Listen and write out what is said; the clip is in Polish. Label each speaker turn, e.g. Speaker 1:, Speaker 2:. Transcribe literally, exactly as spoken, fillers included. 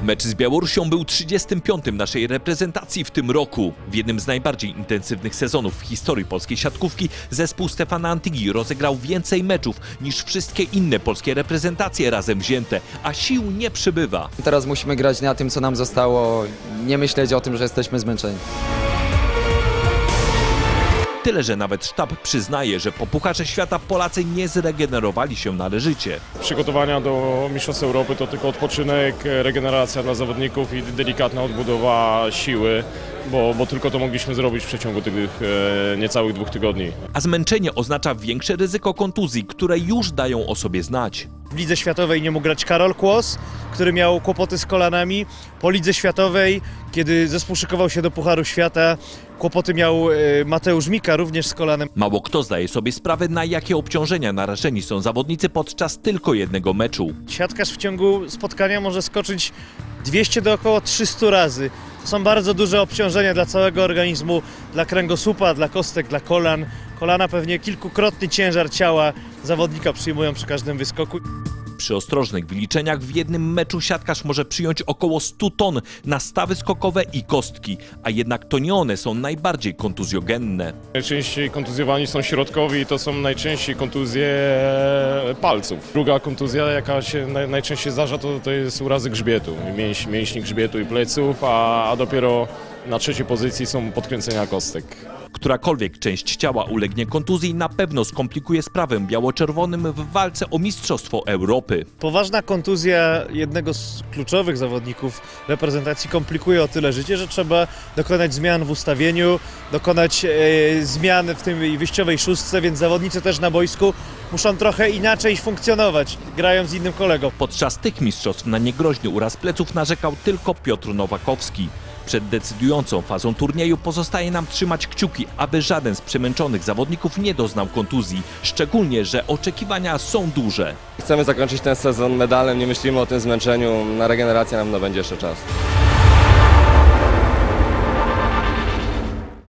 Speaker 1: Mecz z Białorusią był trzydziestym piątym naszej reprezentacji w tym roku. W jednym z najbardziej intensywnych sezonów w historii polskiej siatkówki zespół Stefana Antygi rozegrał więcej meczów niż wszystkie inne polskie reprezentacje razem wzięte, a sił nie przybywa.
Speaker 2: Teraz musimy grać na tym, co nam zostało, nie myśleć o tym, że jesteśmy zmęczeni.
Speaker 1: Tyle, że nawet sztab przyznaje, że po Pucharze Świata Polacy nie zregenerowali się należycie.
Speaker 3: Przygotowania do Mistrzostw Europy to tylko odpoczynek, regeneracja dla zawodników i delikatna odbudowa siły, bo, bo tylko to mogliśmy zrobić w przeciągu tych e, niecałych dwóch tygodni.
Speaker 1: A zmęczenie oznacza większe ryzyko kontuzji, które już dają o sobie znać.
Speaker 4: W Lidze Światowej nie mógł grać Karol Kłos, który miał kłopoty z kolanami. Po Lidze Światowej, kiedy zespół szykował się do Pucharu Świata, kłopoty miał Mateusz Mika, również z kolanem.
Speaker 1: Mało kto zdaje sobie sprawę, na jakie obciążenia narażeni są zawodnicy podczas tylko jednego meczu.
Speaker 4: Siatkarz w ciągu spotkania może skoczyć dwieście do około trzystu razy. To są bardzo duże obciążenia dla całego organizmu, dla kręgosłupa, dla kostek, dla kolan. Kolana pewnie kilkukrotny ciężar ciała zawodnika przyjmują przy każdym wyskoku.
Speaker 1: Przy ostrożnych wyliczeniach w jednym meczu siatkarz może przyjąć około stu ton na stawy skokowe i kostki, a jednak to nie one są najbardziej kontuzjogenne.
Speaker 3: Najczęściej kontuzjowani są środkowi i to są najczęściej kontuzje palców. Druga kontuzja, jaka się najczęściej zdarza, to, to jest urazy grzbietu, mięś, mięśni grzbietu i pleców, a, a dopiero na trzeciej pozycji są podkręcenia kostek.
Speaker 1: Którakolwiek część ciała ulegnie kontuzji, na pewno skomplikuje sprawę biało-czerwonym w walce o Mistrzostwo Europy.
Speaker 4: Poważna kontuzja jednego z kluczowych zawodników reprezentacji komplikuje o tyle życie, że trzeba dokonać zmian w ustawieniu, dokonać e, zmian w tej wyjściowej szóstce, więc zawodnicy też na boisku muszą trochę inaczej funkcjonować, grają z innym kolegą.
Speaker 1: Podczas tych mistrzostw na niegroźny uraz pleców narzekał tylko Piotr Nowakowski. Przed decydującą fazą turnieju pozostaje nam trzymać kciuki, aby żaden z przemęczonych zawodników nie doznał kontuzji, szczególnie że oczekiwania są duże.
Speaker 5: Chcemy zakończyć ten sezon medalem, nie myślimy o tym zmęczeniu, na regenerację nam no będzie jeszcze czas.